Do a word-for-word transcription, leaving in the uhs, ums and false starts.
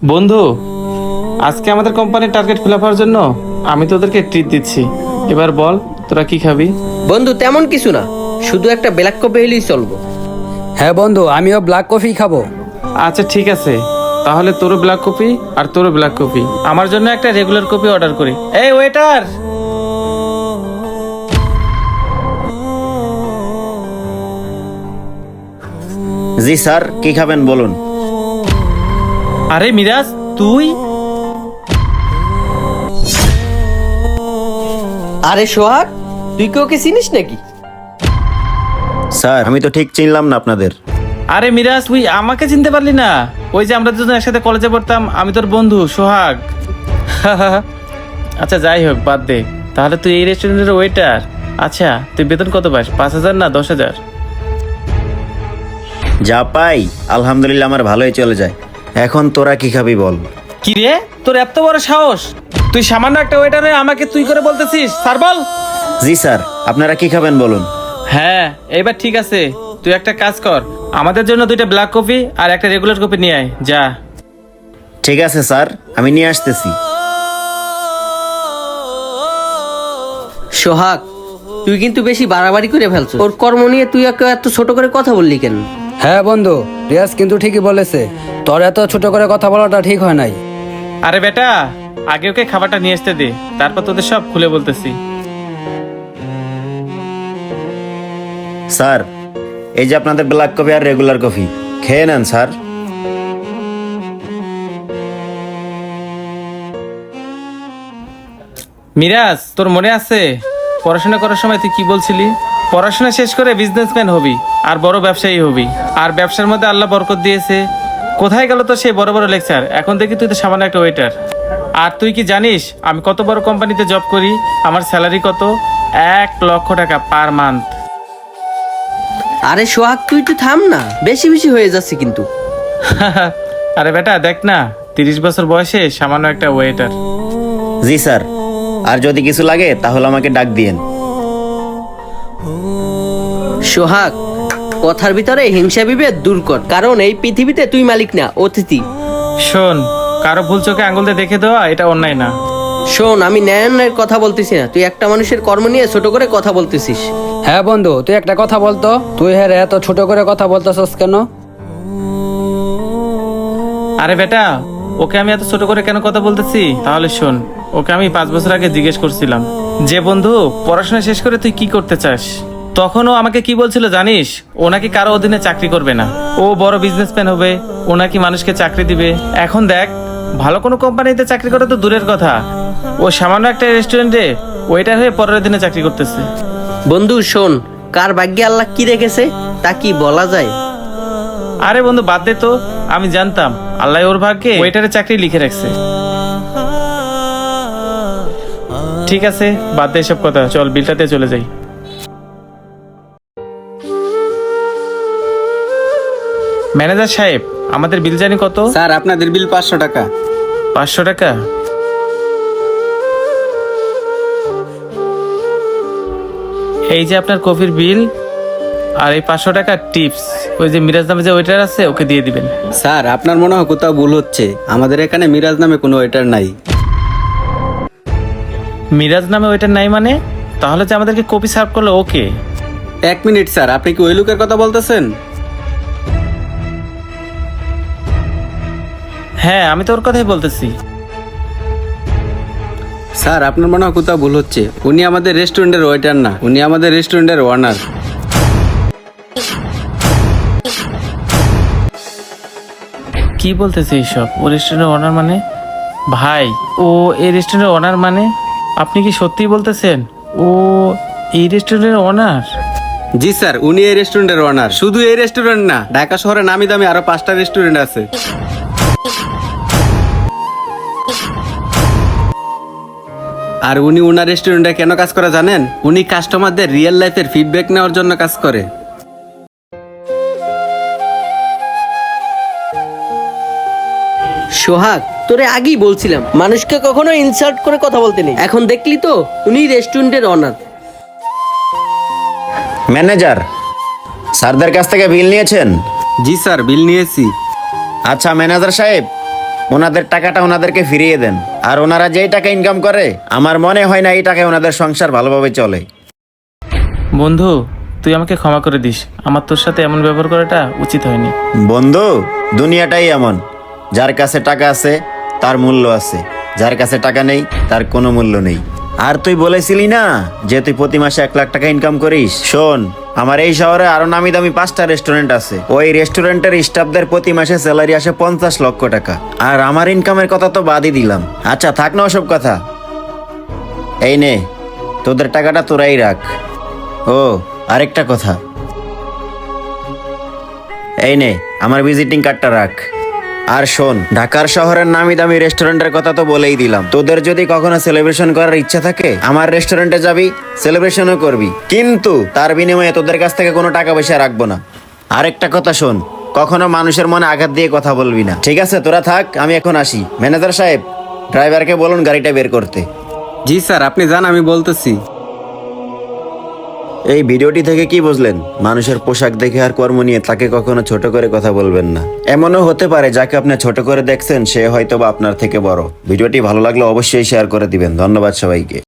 বন্ধু, আজকে আমাদের কোম্পানির টার্গেট ফিল আপ হওয়ার জন্য আমি তোদেরকে ট্রিট দিচ্ছি। এবার বল তোরা কি খাবি? বন্ধু তেমন কিছু না, শুধু একটা ব্ল্যাক কফি হলেই চলবো। হ্যাঁ বন্ধু, আমিও ব্ল্যাক কফি খাবো। আচ্ছা ঠিক আছে, তাহলে তোরও ব্ল্যাক কফি আর তোরও ব্ল্যাক কফি। আমার জন্য একটা রেগুলার কফি অর্ডার করি। এই ওয়েটার! জি স্যার, কি খাবেন বলুন। আরে মিরাজ, তুই? আরে সোহাগ, তুই কি ওকে চিনিস নাকি? স্যার আমি তো ঠিক চিনলাম না আপনাদের। আরে মিরাজ, তুই আমাকে চিনতে পারলি না? ওই যে আমরা দুজন একসাথে কলেজে পড়তাম, আমি তোর বন্ধু সোহাগ। আচ্ছা যাই হোক, বাদ দে। তাহলে তুই এই রেস্টুরেন্টের ওয়েটার? আচ্ছা, তুই বেতন কত পাস? পাঁচ হাজার না দশ হাজার? যা পাই আলহামদুলিল্লাহ আমার ভালোই চলে যায়। এখন তোরা কি খাবি বল। কি রে, তোর এত বড় সাহস? তুই সামান্য একটা ওয়েটার হয়ে আমাকে তুই করে বলতেছিস? স্যার বল। জি স্যার, আপনারা কি খাবেন বলুন। হ্যাঁ, এবার ঠিক আছে। তুই একটা কাজ কর, আমাদের জন্য দুইটা ব্ল্যাক কফি আর একটা রেগুলার কফি নিয়ে আয় যা। ঠিক আছে স্যার, আমি নিয়ে আসতেছি। সোহাগ, তুই কিন্তু বেশি বাড়াবাড়ি করে ফেলছো। ওর কর্ম নিয়ে তুই ওকে এত ছোট করে কথা বললি কেন? হ্যাঁ বন্ধু, রিয়াজ কিন্তু ঠিকই বলেছে, তোর এত ছোট করে কথা বলাটা ঠিক হয় নাই। আরে বেটা, আগে ওকে খাবারটা নিয়ে আসতে দে, তারপর তোদের সব খুলে বলতেছি। স্যার এই যে আপনাদের ব্ল্যাক কফি আর রেগুলার কফি, খেয়ে নেন স্যার। মিরাজ, তোর মনে আছে পড়াশোনা করার সময় তুই কি বলছিলি? পড়াশোনা শেষ করে বিজনেসম্যান হবি আর বড় ব্যবসায়ী হবি, আর ব্যবসার মধ্যে আল্লাহ বরকত দিয়েছে। কোথায় গেল তো সেই বড় বড় লেকচার? এখন দেখি তুই তো সামান্য একটা ওয়েটার। আর তুই কি জানিস আমি কত বড় কোম্পানিতে জব করি? আমার স্যালারি কত? এক লক্ষ টাকা পার মান্থ। আরে সোহাগ, তুই তো থাম না, বেশি বেশি হয়ে যাচ্ছে কিন্তু। আরে বেটা দেখ না, তিরিশ বছর বয়সে সামান্য একটা ওয়েটার। জি স্যার, আর যদি কিছু লাগে তাহলে আমাকে ডাক দিয়েন। সোহাগ, কথার ভিতরে হিংসা বিভেদ দূর কর, কারণ এই পৃথিবীতে তুই মালিক না, অতিথি। শোন, কারো ভুল চোখে আঙুল দিয়ে দেখে দেওয়া এটা অন্যায় না। শোন, আমি ন্যায়ের কথা বলতেছি না, তুই একটা মানুষের কর্ম নিয়ে ছোট করে কথা বলতেছিস। হ্যাঁ বন্ধু, তুই একটা কথা বলতো, তুই হ্যাঁ এত ছোট করে কথা বলতেছস কেন? আরে বেটা, ওকে আমি এত ছোট করে কেন কথা বলতেছি তাহলে শোন। ওকে আমি পাঁচ বছর আগে জিজ্ঞেস করছিলাম যে বন্ধু পড়াশোনা শেষ করে তুই কি করতে চাস। তখন ও আমাকে কি বলছিল জানিস? ও নাকি কারো অধীনে চাকরি করবে না, ও বড় বিজনেসম্যান হবে, ও নাকি মানুষকে চাকরি দিবে। এখন দেখ, ভালো কোনো কোম্পানিতে চাকরি করা তো দূরের কথা, ও সামান্য একটা রেস্টুরেন্টে ওয়েটার হয়ে পরের দিনে চাকরি করতেছে। বন্ধু শোন, কার ভাগ্যে আল্লাহ কি রেখেছে তা কি বলা যায়? আরে বন্ধু বাদ দে তো, আমি জানতাম আল্লাহ ওর ভাগ্যে ওয়েটারের চাকরি লিখে রাখছে। ঠিক আছে, বাদ দে এসব কথা, চল বিলটাতে চলে যাই। ম্যানেজার সাহেব, আমাদের বিল জানি কত? স্যার আপনাদের বিল পাঁচশো টাকা। পাঁচশো টাকা? এই যে আপনার কফির বিল, আর এই পাঁচশো টাকা টিপস ওই যে মিরাজ নামে যে ওয়েটার আছে ওকে দিয়ে দিবেন। স্যার আপনার মনে হয় কোথাও ভুল হচ্ছে, আমাদের এখানে মিরাজ নামে কোনো ওয়েটার নাই। মিরাজ নামে ওয়েটার নাই মানে? তাহলে যে আমাদেরকে কফি সার্ভ করলো ওকে? এক মিনিট স্যার, আপনি কি ওই লোকের কথা বলতেছেন? হ্যাঁ, আমি তো ওর কথাই বলতেছি। স্যার আপনার মনে হয় কোথাও ভুল হচ্ছে, উনি আমাদের রেস্টুরেন্টের ওয়েটার না, উনি আমাদের রেস্টুরেন্টের ওনার। কি বলতেছে এইসব? ও রেস্টুরেন্টের ওনার মানে? ভাই, ও এই রেস্টুরেন্টের ওনার মানে? আপনি কি সত্যিই বলতেছেন ও এই রেস্টুরেন্টের ওনার? জি স্যার, উনি এই রেস্টুরেন্টের ওনার। শুধু এই রেস্টুরেন্ট না, ঢাকা শহরে নামি দামি আরো পাঁচটা রেস্টুরেন্ট আছে। আর উনি উনার রেস্টুরেন্টে কেন কাজ করে জানেন? উনি কাস্টমারদের রিয়েল লাইফের ফিডব্যাক নেওয়ার জন্য কাজ করে। সোহাগ, তোরে আগেই বলছিলাম মানুষকে কখনো ইনসাল্ট করে কথা বলতে নেই। এখন দেখলি তো, উনি রেস্টুরেন্টের অনার। ম্যানেজার, স্যারদের কাছ থেকে বিল নিয়েছেন? জি স্যার, বিল নিয়েছি। আচ্ছা ম্যানেজার সাহেব, ওনাদের টাকাটা ওনাদেরকে ফিরিয়ে দেন। আর ওনারা যেই টাকা ইনকাম করে আমার মনে হয় না এই টাকায় ওনাদের সংসার ভালোভাবে চলে। বন্ধু, তুই আমাকে ক্ষমা করে দিস, আমার তোর সাথে এমন ব্যবহার করাটা উচিত হয়নি। বন্ধু, দুনিয়াটাই এমন, যার কাছে টাকা আছে তার মূল্য আছে, যার কাছে টাকা নেই তার কোনো মূল্য নেই। আর তুই বলেছিলি না যে তুই প্রতি মাসে এক লাখ টাকা ইনকাম করিস? শোন, আমার এই শহরে আরো নামি দামি পাঁচটা রেস্টুরেন্ট আছে। ওই রেস্টুরেন্টের স্টাফদের প্রতি মাসে স্যালারি আসে পঞ্চাশ লক্ষ টাকা। আর আমার ইনকামের কথা তো বাদই দিলাম। আচ্ছা থাক না ওসব কথা, এই নে তোদের টাকাটা তোরাই রাখ। ও আরেকটা কথা, এই নে আমার ভিজিটিং কার্ডটা রাখ। আর শোন, ঢাকার শহরের নামি দামি রেস্টুরেন্টের কথা তো বলেই দিলাম, তোদের যদি কখনো সেলিব্রেশন করার ইচ্ছা থাকে আমার রেস্টুরেন্টে যাবি, সেলিব্রেশনও করবি, কিন্তু তার বিনিময়ে তোদের কাছ থেকে কোনো টাকা পয়সা রাখবো না। আরেকটা কথা শোন, কখনো মানুষের মনে আঘাত দিয়ে কথা বলবি না, ঠিক আছে? তোরা থাক, আমি এখন আসি। ম্যানেজার সাহেব, ড্রাইভারকে বলুন গাড়িটা বের করতে। জি স্যার, আপনি যান, আমি বলতেছি। এই ভিডিওটি থেকে কি বুঝলেন? মানুষের পোশাক দেখে আর কর্ম নিয়ে তাকে কখনো ছোট করে কথা বলবেন না। এমনও হতে পারে যাকে আপনি ছোট করে দেখছেন সে হয়তো বা আপনার থেকে বড়। ভিডিওটি ভালো লাগলে অবশ্যই শেয়ার করে দিবেন। ধন্যবাদ সবাইকে।